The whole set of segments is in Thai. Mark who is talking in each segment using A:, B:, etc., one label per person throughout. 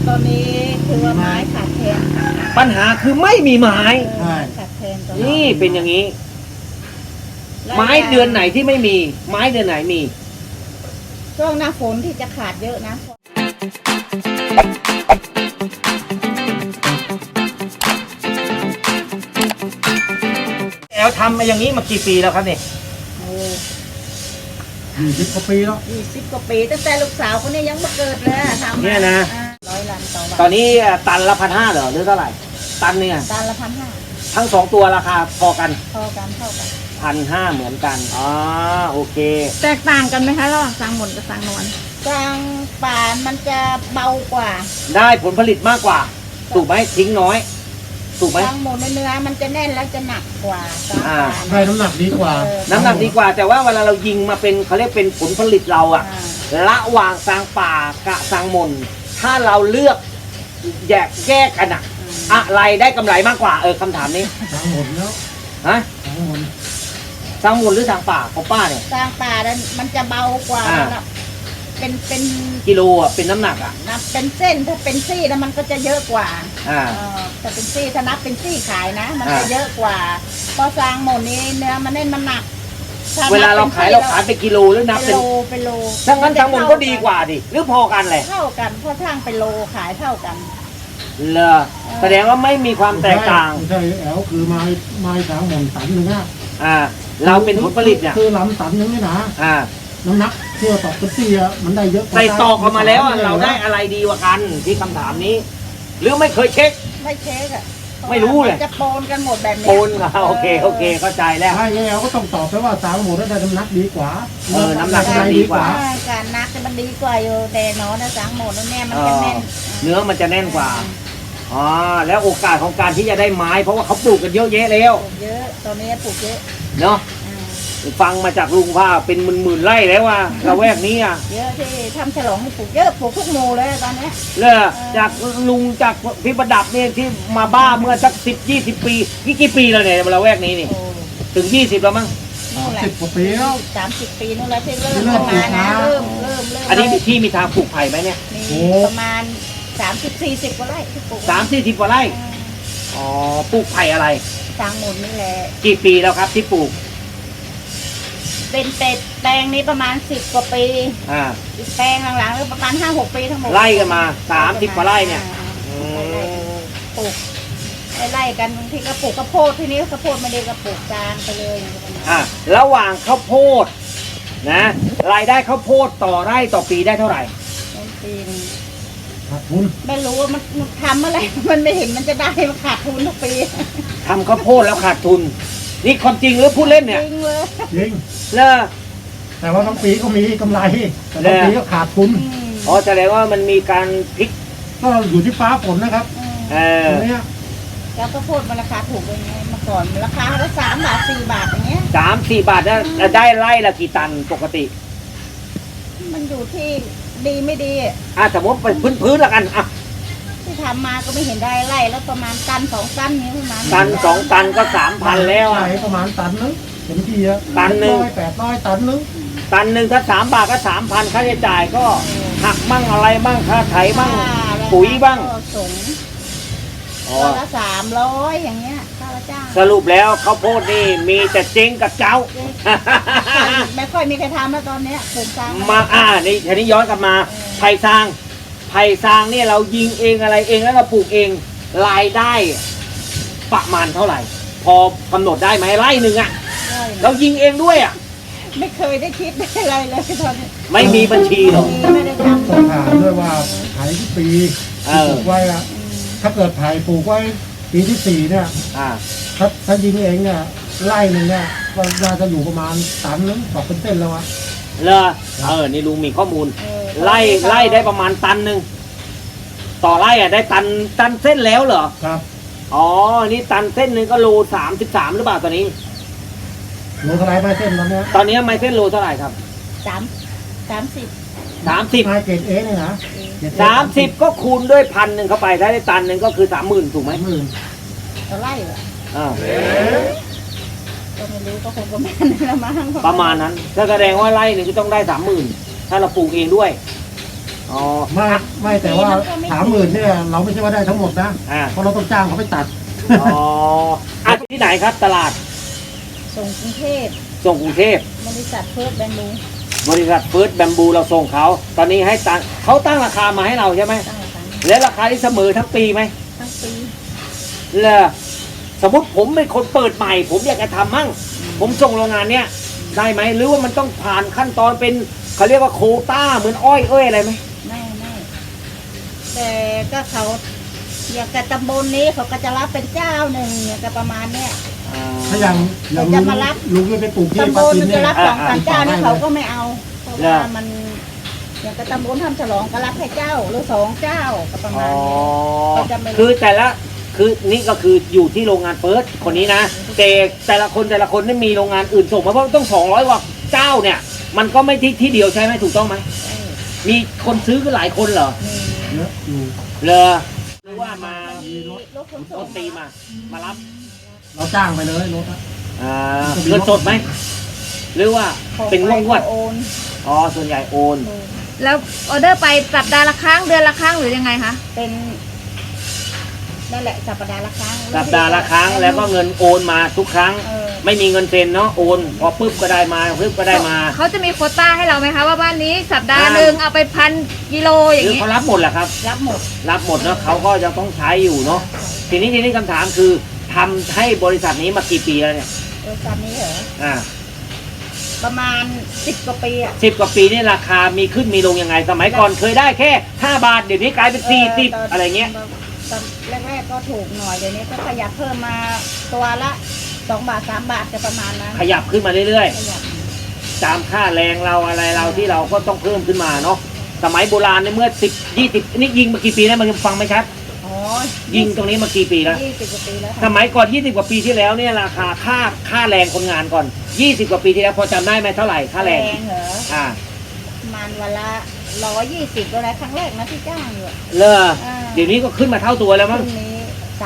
A: ตอนนี้คือว่าไม้ขาดแคลน
B: ปัญหาคือไม่มีไม้
A: ขาดแคลนตอน
B: นี่เป็นอย่างนี้ ไม้เดือนไหนที่ไม่มี ไม้เดือนไหนมี
A: ช่วงหน้าฝนที่จะขาดเยอะนะ
B: แล้วทำมาอย่างนี้มากี่ปีแล้วครับเนี่ย
C: 20 กว่าปีแล้ว
A: 20 กว่าปีตั้งแต่ลูกสาวคนนี้ยังไม่เกิดเลยทำ
B: เนี่ยนะ
A: 100 ลันต่อวัน
B: ตอนนี้ตันละ1,500เหรอหรือเท่าไหร่ ตันเนี่ย
A: ตันละ1,500
B: ทั้งสองตัวราคาพอกัน
A: พอกันเท่ากัน
B: 1,500เหมือนกันอ๋อโอเค
D: แตกต่างกันไหมคะระหว่างสางหมนกับสางนวล
A: กลางป่ามันจะเบากว่า
B: ได้ผลผลิตมากกว่า ถูกไหมทิ้งน้อย ถูกไหม
A: กลางหมูเนื้อมันจะแน่นแล้วจะหนักกว่ากลางป่า
C: ได้น้ำหนักดีกว่า
B: น้ำหนักดีกว่า แต่ว่าเวลาเรายิงมาเป็นเขาเรียกเป็นผลผลิตเราอะระหว่างสางป่ากับสางมนถ้าเราเลือกแยกกันอะอะไรได้กำไรมากกว่าคำถามนี้
C: ทั้งหมดแล้ว
B: ฮะ
C: ทั้งหมด
B: สางมนหรือสางป่าของป้าเนี่ย
A: กลางป่านั้นมันจะเบากว่าแล้วเป็น
B: กิโลอะเป็นน้ำหนักอะ
A: นับเป็นเส้นถ้าเป็นซี่แล้วมันก็จะเยอะกว่า
B: อ่า
A: แต่เป็นซี่ถ้านับเป็นซี่ขายนะ มันจะ
B: อ่า
A: เยอะกว่าพอซางหมดนี้เนื้อมันแน่นมันหนักถ้
B: เวลาเราขายเป็นกิโลหรือนับ
A: เป็
B: เป็น น
A: โลเป็นโล
B: ถ้างั้นสางมนก็ดีกว่าดิหรือพอกันเลย
A: เท่ากันเพราะช่างเป็นโลขายเท่ากัน
B: เลอแสดงว่าไม่มีความแตกต่าง
C: ไม่ใช่แอลคือไม้ทั้งหมดตันหนึ่งอะ
B: เราเป็นผลผลิตเนี่ย
C: คือลำตันหนึงนี่นะ น้ำหนักเที่ยวตอกเป็นซี่อะมันได้เยอะกว่า
B: ใส่ตอกออกมาแล้วอะเราได้อะไรดีกว่ากันที่คำถามนี้ หรือไม่เคยเช็ค
A: ไม่เช็คอะ
B: ไม่รู้เลย
A: มันจะโปนกันหมดแบบนี้
B: โอนโอเคเข้าใจแล้ว
C: ถ้าแอลก็ต้องตอบไปว่าสางหมดได้น้ำหนักดีกว่า
B: น้ำหนักดีกว่า
A: การนักมันดีกว่าอยู่แต่เนาะนะซางหมดแล้วเนี่ยมันจะแน่น
B: เนื้อมันจะแน่นกว่าอ๋อแล้วโอกาสของการที่จะได้ไม้เพราะว่าเขาปลูกกันเยอะแยะแล้ว
A: ปลูกเยอะตอนนี้ปลูกเยอะ
B: เนาะฟังมาจากลุงว่าเป็นหมื่นไร่แล้วว่าละแวกนี้อ่ะ
A: เยอะที่ทำฉลองให้ปลูกเยอะปลูกทุกหมู่เลยตอนนี้
B: เลยจากลุงจากพี่ประดับเนี่ยที่มาบ้าเมื่อสัก10-20 ปีนี่กี่ปีแล้วเนี่ยละแวกนี้นี่
A: โอ้
B: ถึง20แล้วมั้ง
A: นู่นแหละ
C: 10 กว่าปีแล้ว
A: 30 ปีนู่นแล้วที่เริ่ม
C: เริ่
A: เข้าม
C: ปลู
A: มาก นะ
C: นะ
A: เริ่ม
B: อันนี้ที่มีทางปลูกไผ่ไหมเนี่ย
A: มีประมาณ30-40กว่าไร่ที่ปลูก
B: 30-40 กว่าไร่อ๋อปลูกไผ่อะไร
A: สร้างหมุนนี่แหละ
B: กี่ปีแล้วครับที่ปลูก
A: เป็นเป็ดแปลงนี้ประมาณ10กว่าปี อีกแปลงหลังๆก็ประมาณ5-6 ปีทั้งหมด
B: ไล่กันมา30 กว่าไร่เนี่ย
A: ปลูกไล่กันบางทีก็ปลูกข้าวโพดที่นี้ข้าวโพดไม่ได้ก็ปลูกจานไปเลย
B: ระหว่างข้าวโพดนะรายได้ข้าวโพดต่อไร่ต่อปีได้เท่าไหร่
A: ปีนึง
C: ขาดทุน
A: ไม่รู้ว่ามันทำอะไร มันไม่เห็นมันจะได้มันขาดทุนทุกปี
B: ทำข้าวโพดแล้วขาดทุน นี่ความจริงหรือพูดเล่นเนี่ย
A: จริงเลย
C: จริง
B: เลิก
C: แต่ว่าทั้งปีก็มีกำไรแต่ทั้งปีก็ขาดทุน
B: อ๋อแสดงว่ามันมีการพลิก
C: ก็อยู่ที่ฟ้าฝนนะครับ ตรงเนี้ย
A: แล้วข้าวโพดมันราคาถูกยังไงเมื่อก่อนราคาละ3 บาท 4 บาทอย่างเงี้ย
B: 3-4 บาทนะได้ไร่ละกี่ตันปกติ
A: มันอยู่ที่ดีไม่ดี
B: สมมติเป็นพื้นๆละกัน
A: ที่ทำมาก็ไม่เห็นได้ไร่แล้วประมาณตัน2 ตันนี้ประมาณ
B: ตัน2 ตันก็ 3,000 แล้ว
C: ใช่ประมาณตันนึงเต็มที่อะ
B: ตันหนึ่ง
C: 800 ตันนึง
B: ตันหนึ่งถ้า3 บาทก็ 3,000ค่าใช้จ่ายก็หักมั่งอะไรมั่งค่าไถมั่งปุ๋ยบ้าง
A: ส่ง
B: อ๋อ
A: ตัวละ300อย่างเงี้ยค่าละจ้าง
B: สรุปแล้วข้าวโพดนี่มีแต่เจ๊งกับเจ้า
A: ไม่ค่อยมีใครทำแล้วตอนเนี้ยปลูกจาง
B: มานี่ทีนี้ย้อนกลับมาไผ่ซางเนี่ยเรายิงเองอะไรเองแล้วเราปลูกเองรายได้ประมาณเท่าไหร่ พอกำหนดได้ไหมไร่หนึ่งอะเรายิงเองด้วยอะ
A: ไม่เคยได้คิดได้อะไรเลยตอนนี้
B: ไม่มีบัญชีหรอก
A: ไม่ได้ทำ
C: ต้องถามด้วยว่าไผ่ที่ปีที่ปลูกไว้อะถ้าเกิดไผ่ปลูกไว้ปีที่ 4เนี่ย ถ้ายิงเองเนี่ยไร่หนึ่งเนี่ยมันน่าจะอยู่ประมาณตันนึงตอกเป็นเส้นแล้วอะ
B: เหรอนี่ลุงมีข้อมูลไล่ได้ประมาณตันหนึ่งต่อไร่อะได้ตันเส้นแล้วเหรอ
C: ครับ
B: อ๋อนี่ตันเส้นหนึ่งก็โล33หรือเปล่าตอนนี้
C: โลเท่าไรไม้เส้นตอนเนี้ย
B: ตอนนี้ไม้เส้นโลเท่าไหร่ครับ
A: 30
B: 30
C: ไม้เกรดเอเนี่ยนะเกรด
B: 30ก็คูณด้วย1,000เข้าไปถ้าได้ตันหนึ่งก็คือ30,000ถูกไหม
C: 30,000
A: ต่อไร่เหรอ
B: อ่า
A: ก็ไม่รู้ก็คงประมาณนั้นละมั้ง
B: ประมาณนั้นถ้าแสดงว่าไร่หนึ่งก็ต้องได้30,000ถ้าเราปลูกเองด้วยอ๋ออ๋อ
C: ไม่แต่ว่า30,000เนี่ยเราไม่ใช่ว่าได้ทั้งหมดนะ
B: อ่า
C: เพราะเราต้องจ้างเขาไปตัด
B: อ๋ออ่ะที่ไหนครับตลาด
A: ส่งกรุงเทพ
B: ส่งกรุงเทพ
A: บริษัทเพิร์ดแบงบู
B: บริษัทเฟิร์สแบมบูเราส่งเขาตอนนี้ให้ตังเขาตั้งราคามาให้เราใช่ไหม
A: ตั้งราคา
B: และราคาที่เสมอทั้งปีไหม
A: ทั้งปี
B: เลอสมมติผมเป็นคนเปิดใหม่ ผมอยากจะทำมั่ง ผมส่งโรงงานเนี้ยได้ไหมหรือว่ามันต้องผ่านขั้นตอนเป็นเขาเรียกว่าโควต้าเหมือนอ้อยอะไรไหม
A: ไม่แต่ก็เขาอย่างกับตำบลนี้เขาก็จะรับเป็นเจ้าหนึ่งอย่างกับประมาณเนี้ย
C: ถ้าอย่าง
A: จะมารับ
C: ลุงจะไปปลูกที่
A: ตำบ
C: ปา
A: ล
C: จิน
A: มัน
C: เนี่
A: จะ
C: ย
A: รับสองสามเจ้านี่
C: ได้
A: เขา
C: เลย
A: ก็ไม่เอาเพราะว่ามันอย่างกับตำบลทำฉลองก็รับแค่เจ้าหรือ2เจ้าก็ประ
B: อ๋
A: มา
B: อ
A: ณนี้เขาจะไม่
B: คือแต่ละคือนี่ก็คืออยู่ที่โรงงานเฟิร์สคนนี้นะแต่ละคนนี่มีโรงงานอื่นส่งมาเพราะต้อง200กว่าเจ้าเนี่ย มันก็ไม่ที่เดียวใช่ไหมถูกต้องไหมมีคนซื้อกันหลายคนเหรอ
C: เยอะอยู่
B: เลอหรือว่ามา
A: รถขน
B: ต้
A: ส่
B: น
A: ง
B: ตีมารับ
C: เราจ้างไปเลยรถอะ
B: เงินสดไหมหรือว่าเป็นงวด
A: โอน
B: ๆอ๋อส่วนใหญ่โอน
D: แล้วออเดอร์ไปสัปดาห์ละครั้งเดือนละครั้งหรือยังไงคะ
A: เป็นนั่นแหละสัปดาห์ละครั้ง
B: สัปดาห์ละครั้งแล้วก็เงินโอนมาทุกครั้ง
A: เออ
B: ไม่มีเงินเซ็นเนาะโอนพอปุ๊บก็ได้มาปุ๊บก็ได้มา
D: เขาจะมีโควต้าให้เราไหมคะว่าบ้านนี้สัปดาห์หนึ่งเอาไป1,000 กิโลอ
B: ห
D: ย่าง
B: รือ
D: นี้
B: เขารับหมดแหละครับ
A: รับหมด
B: รับหมดเนาะเขาก็ยังต้องใช้อยู่เนาะทีนี้คำถามคือทำให้บริษัทนี้มากี่ปีแล้วเนี่ย
A: บริษัทนี้เหรอ ประมาณ10 กว่าปีอ่ะ
B: 10 กว่าปีนี่ราคามีขึ้นมีลงยังไง สมัยก่อนเคยได้แค่5 บาทเดี๋ยวนี้กลายเป็น40อะไรเงี้ย
A: ตอนแรกๆก็ถูกหน่อยเดี๋ยวนี้ก็ขยับเพิ่มมาตัวละ2 บาท 3 บาทจะประมาณนั้น
B: ขยับขึ้นมาเรื่อย
A: ขยับ
B: ๆตามค่าแรงเราอะไรเราที่เราก็ต้องเพิ่มขึ้นมาเนาะสมัยโบราณในเมื่อ10 20นี่ยิงมากี่ปีแล้วมันฟังไหมครับ
A: อ๋อ
B: ยิงตรงนี้มากี่ปีแล้ว
A: 20 กว่าปีแล้ว
B: ส
A: ค่ะ
B: มัยก่อน20 กว่าปีที่แล้วเนี่ยราคาค่าแรงคนงานก่อน20 กว่าปีที่แล้วพอจำได้ไหมเท่าไหร่ค่าแรง
A: เหรอ
B: อ่า
A: ประมาณวันละ120ก็แล้วครั้งแรกนะที่จ้างอยู่อะ
B: เลอเดี๋ยวนี้ก็ขึ้นมาเท่าตัวแล้ว
A: พ
B: มั้ง
A: รุ่งนี้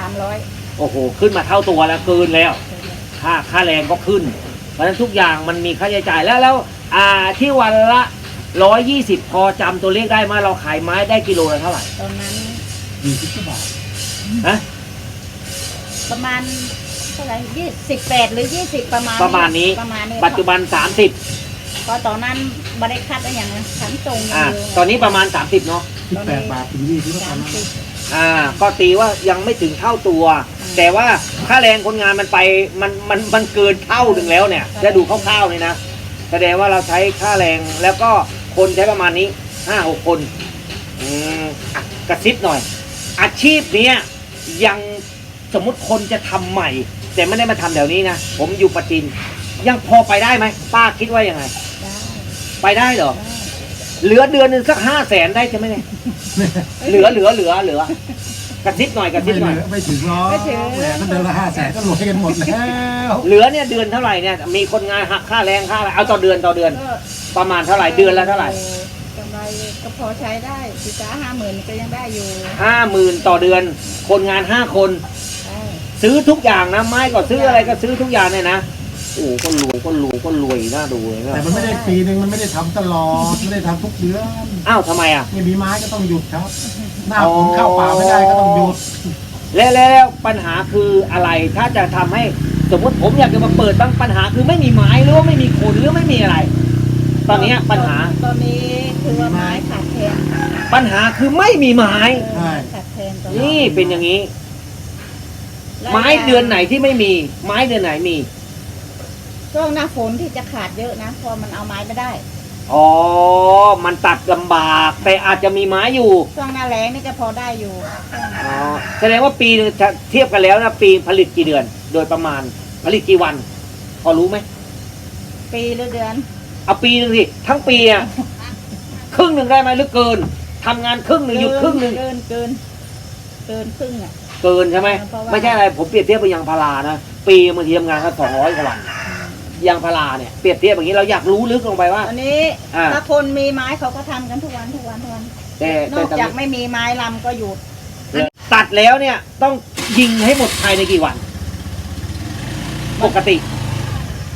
A: 300
B: โอ้โหขึ้นมาเท่าตัวแล้วเกินแล้วค่าแรงก็ขึ้น เพราะฉะนั้นทุกอย่างมันมีค่าใช้จ่ายแล้วที่วันละ120พอจำตัวเลขได้ไหมาเราขายไม้ได้กิโลละเท่าไหร่
A: ตอนนั้น
C: 20 บาท
B: ฮะ
A: ประมาณเท่าไหร่18 หรือ 20 ประมาณ
B: ประมาณนี้
A: ประมาณนี้
B: ปัจจุบัน30
A: เพราะตอนนั้นบริคัดอะไรอย่างนั้นขันตรงอย่างเดียว
B: ตอนนี้ประมาณ30เนาะ
C: 18 บาทถึง20ก็ประมาณนั้น
A: 30
B: ก็ตีว่ายังไม่ถึงเท่าตัว แต่ว่าค่าแรงคนงานมันไปมันเกินเท่าหนึ่งแล้วเนี่ยจะดูคร่าวๆเลยนะแสดงว่าเราใช้ค่าแรงแล้วก็คนใช้ประมาณนี้5-6 คนกระซิบหน่อย อาชีพเนี้ยยังสมมุติคนจะทำใหม่ แต่ไม่ได้มาทำแถวนี้นะผมอยู่ปัจจินยังพอไปได้ไหมป้าคิดว่ายังไง
A: ได้
B: ไปได้เหรอ
A: ได้
B: เหลือเดือนหนึ่งสัก500,000ได้ใช่ไหมเนี่ยเหลือกระซิบหน่อยกระซิบหน่อย
C: ไม่ถึงหรอกแหมก็เดือนละ500,000ก็รวยกันหมดแล้ว
B: เหลือเนี่ยเดือนเท่าไหร่เนี่ยมีคนงานหักค่าแรงค่าอะไรเอาต่อเดือน
A: ก็
B: ประมาณเท่าไหร่เดือนละเท่าไหร่
A: กำไรก็พอใช้ได้40,000-50,000ก็ยังได้อยู่
B: 50,000ต่อเดือน คนงาน5 คน
A: ได้
B: ซื้อทุกอย่างนะไม้ก็ซื้ออะไรก็ซื้อทุกอย่างเนี่ยนะโอ้ก็รวยน่าดูเลยนะ
C: แต่มันไม่ได้ปีนึงมันไม่ได้ทำตลอดไม่ได้ทำทุกเดือน
B: อ้าวทำไมอ่ะ
C: ไม่มีไม้ก็ต้องหยุดครับ หน้าฝนเข้าป่าไม่ได้ก็ต้องหยุด
B: แล้วปัญหาคืออะไรถ้าจะทำให้สมมติผมอยากจะมาเปิดบ้างปัญหาคือไม่มีไม้หรือว่าไม่มีคนหรือไม่มีอะไร ตอนนี้ปัญหา
A: ตอนนี้คือว่าไม้ขาดแคลน
B: ปัญหาคือไม่มีไม้
A: ขาดแคลนตอน
B: นี่เป็นอย่างนี้ ไม้เดือนไหนที่ไม่มี ไม้เดือนไหนมี
A: ช่วงหน้าฝนที่จะขาดเยอะนะเพราะมันเอาไม้ไม่ได้
B: อ๋อ มันตัดลำบากแต่อาจจะมีไม้อยู่
A: ช่วงหน้าแล้งนี่ก็พอได้อยู่
B: อ๋อแสดงว่าปีนึงเทียบกันแล้วนะปีผลิตกี่เดือน โดยประมาณผลิตกี่วัน พอรู้ไหม
A: ปีหรือเดือน
B: เอาปีหนึ่งสิทั้งปีอะครึ่งหนึ่งได้ไหมหรือเกินทำงานครึ่งหนึ่งหยุดครึ่งหนึ่ง
A: เกินครึ่งอ่ะ
B: เกินใช่ไหม
A: เพราะว่า
B: ไม่ใช่อะไรผมเปรียบเทียบไปยางพารานะปีบางทีทำงานแค่200 กว่าวันยางพาราเนี่ยเปรียบเทียบอย่างนี้เราอยากรู้ลึกลงไปว่า
A: อันนี้
B: อ่า
A: ถ้าคนมีไม้เขาก็ทำกันทุกวัน
B: แต่
A: นอกจากไม่มีไม้ลำก็หยุด
B: ตัดแล้วเนี่ยต้องยิงให้หมดภายในกี่วัน ปกติ
A: ป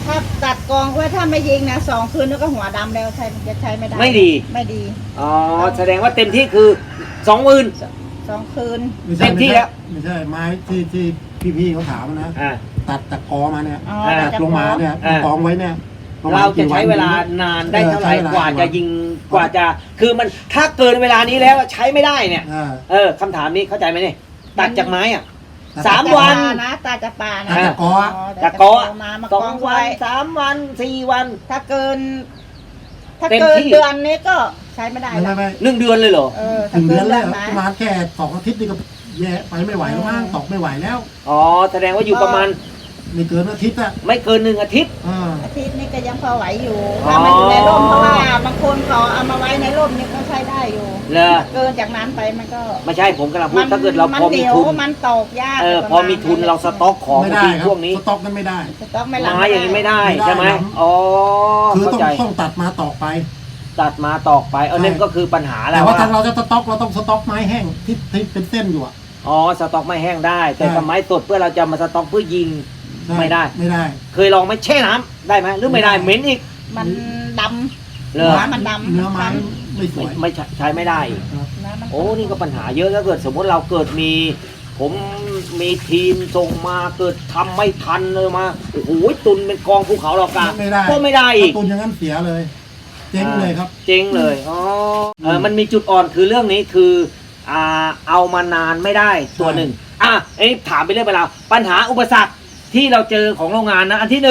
A: ถ้าตัดกองไว้ถ้าไม่ยิงนะ2 คืนแล้วก็หัวดำแล้วจะใช้ไม่ได้
B: ไม่ดี
A: ไม่ดี
B: อ๋อแสดงว่าเต็มที่คือ20,000
A: 2 คืน
B: เต็มที่แล้ว
C: ไม่ใช่ไม้ที่พี่เขาถามนะ
B: อ่า
C: ตัดจากกอมาเนี่ย
A: อ๋อ
B: อ่า
A: แต่
C: ตัด
A: จะ
C: ลงมาเนี่ย
B: อ่า
C: กองไว้เนี่ยปมณ
B: เราจะใช้
C: กี่น
B: เวลานานได้เท่าไหร่
C: ใช้เวล
B: กว่าจะยิงกว่าจะคือมันถ้าเกินเวลานี้แล้วใช้ไม่ได้เนี่ย คำถามนี้เข้าใจไหมเนี่ยตัดจากไม้อ่ะ
C: ตัด
B: 3 วัน
A: นะตาจะปานะ
C: ตัดจากกอ
B: จากกอ
A: มาก
B: ส
A: อ
B: อง
A: ง
B: วั
A: ไว้
B: น3 วัน 4 วัน
A: ถ้าเกิน
B: เต็มที่
A: เดือนนี้ก็ใช้ไม่ได้
C: ไม่
A: ละ
C: ไม่
B: 1 เดือนเลยเหรอ
C: ถึงเดือนแล้ว
A: นะ
C: ประมาณแค่2 อาทิตย์นี่ก็แย่ไปไม่ไหวแล้วมั้งตกไม่ไหวแล้ว
B: อ๋อแสดงว่าอยู่ประมาณ
C: ไม่เกินอาทิตย์อะ
B: ไม่เกิน1 อาทิตย์
A: อาทิตย์นี้ก็ยังพอไหวอยู่
B: อ๋อ
A: ถ้ามันอยู่ในร่มเพราะว่าบางคนเขาเอามาไว้ในร่มนี่ก็ใช้ได้อยู่
B: เลย
A: เกินจากนั้นไปมันก็
B: ไม่ใช่ผมกำลังพูดถ้าเกิดเราพอมี
A: น
B: ทุน
A: มันตกยาก
B: พอมีทุนเราสต็อกของ
C: ไม่ได้
B: ที่
C: ครับ
B: พวกนี้
C: สต็อกนั้นไม่ได้
A: สต๊อกไม่รับ
B: ไม้อย่างนี้ไม่ได้
C: ไม่ได้
B: ใช่ไหม
C: ครับ
B: อ๋อ
C: คือ
B: เข้า
C: ต้อง
B: ใจ
C: ต้องตัดมาต่อไป
B: ตัดมาตอกไปนั่นก็คือปัญหาแล้
C: แต่
B: ว
C: ว่า
B: ว่า
C: ถ้าเราจะสต็อกเราต้องสต็อกไม้แห้งที่เป็นเส้นอยู่อะ
B: อ๋อสต็อกไม่แห้งได้ แต่
C: ใช่
B: สมัยสดเพื่อเราจะมาสต็อกเพื่อยิง ไม่ได้
C: ไม่ได้
B: เคยลองไหมแช่น้ำได้ไหมหรือไม่ได้
C: ไม่ได้
B: เหม็นอีก
A: มันด
B: เล
A: ำ
B: ย
A: น้ำมันดำ
C: เนื้อไม้ไม่สวย
B: ไม่ใช้ไม่ได้อีก
C: ครับ
A: น้ำมัน
B: โอ้นี่ก็ปัญหาเยอะถ้าเกิดสมมติเราเกิดมี ผมมีทีมส่งมาเกิดทำไม่ทันเลยมาโอ้โหตุนเป็นกองภูเขาเรากะ
C: ไม่ได้
B: ก็ไม่ได้อีก
C: ถ้าตุนอย่างนั้นเสียเลย เจ๊งเลยครับ
B: เจ๊งเลยอ๋อมันมีจุดอ่อนคือเรื่องนี้คือเอามานานไม่ได้ตัวหนึ่งไอ้นี่ถามไปเรื่องไปแล้วปัญหาอุปสรรคที่เราเจอของโรงงานนะอันที่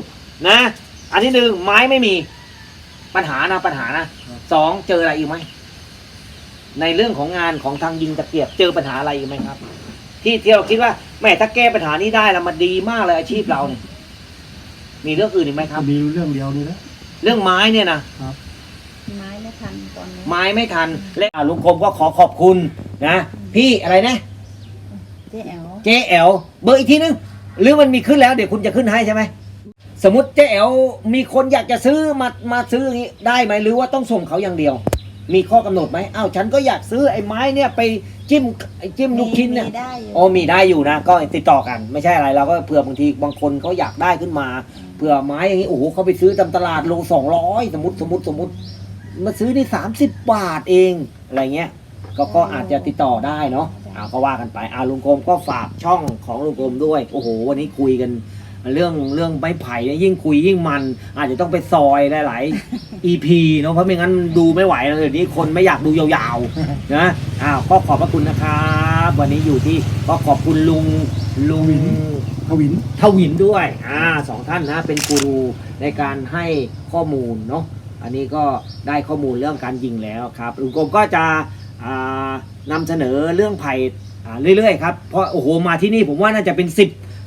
B: 1นะอันที่ 1ไม้ไม่มีปัญหานะ2เจออะไรอีกไหมในเรื่องของงานของทางยิงตะเกียบเจอปัญหาอะไรอีกไหมครับ ที่เราคิดว่าแม่ถ้าแก้ปัญหานี้ได้แล้วมันดีมากเลยอาชีพเราเนี่ยมีเรื่องอื่นอีกไหมครับ
C: มีเรื่องเดียวนี่นะ
B: เรื่องไม้เนี่ยนะ
A: ไม้ไม่ทันตอนนี้
B: ไม้ไม่ทันและลุงคมก็ขอขอบคุณนะพี่อะไรนะ
A: เจ๊แอ๋ว
B: เจ๊แอลเบอร์อีกทีนึงหรือมันมีขึ้นแล้วเดี๋ยวคุณจะขึ้นให้ใช่ไหมสมมติเจ๊แอลมีคนอยากจะซื้อมาซื้ออย่างนี้ได้ไหมหรือว่าต้องส่งเขาอย่างเดียว มีข้อกำหนดไหมอ้าวฉันก็อยากซื้อไอ้ไม้เนี่ยไปจิ้มลูกชิ้นเนี่ย
A: มีได้อยู่
B: อ๋อมีได้อยู่นะก็ติดต่อกันไม่ใช่อะไรเราก็เผื่อบางทีบางคนเขาอยากได้ขึ้นมาเผื่อไม้อย่างนี้โอ้โหเขาไปซื้อตามตลาดโล200สมมติมาซื้อนี่30 บาทเองอะไรเงี้ยก็อาจจะติดต่อได้เนาะก็ว่ากันไปลุงกรมก็ฝากช่องของลุงกรมด้วยโอ้โหวันนี้คุยกันเรื่องไม้ไผ่เนี่ยยิ่งคุยยิ่งมันอาจจะต้องไปซอยหลายๆ EP เนาะเพราะไม่งั้นมันดูไม่ไหวแล้วเดี๋ยวนี้คนไม่อยากดูยาวๆนะก็ขอบพระคุณนะครับวันนี้อยู่ที่ก็ขอบคุณลุง
C: ทวิน
B: ทวินด้วย2 ท่านนะเป็นกูรูในการให้ข้อมูลเนาะอันนี้ก็ได้ข้อมูลเรื่องการยิงแล้วครับลุงกรมก็จะนำเสนอเรื่องไผ่เรื่อยๆครับเพราะโอ้โหมาที่นี่ผมว่าน่าจะเป็น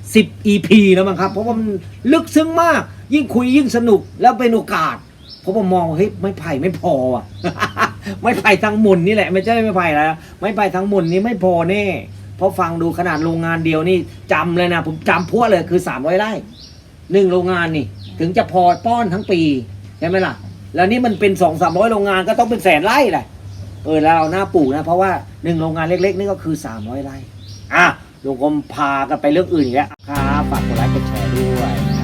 B: 10 EP แล้วมั้งครับเพราะว่ามันลึกซึ้งมากยิ่งคุยยิ่งสนุกแล้วเป็นโอกาสเพราะผมมองเฮ้ยไม้ไผ่ไม่พออ่ะ ไม้ไผ่ทั้งหมุนนี่แหละไม่ใช่ไม้ไผ่แล้วไม้ไผ่ทั้งหมุนนี้ไม่พอแน่เพราะฟังดูขนาดโรงงานเดียวนี่จำเลยนะผมจำพวกเลยคือ300 ไร่1โรงงานนี่ถึงจะพอป้อนทั้งปีใช่ไหมล่ะแล้วนี่มันเป็น200-300 โรงงานก็ต้องเป็น100,000 ไร่แหละแล้วเราหน้าปลูกนะเพราะว่า1โรงงานเล็กๆนี่ก็คือ300 ไร่ลุงกรมพากันไปเรื่องอื่นอีกแล้วครับฝากกดไลค์กดแชร์ด้วย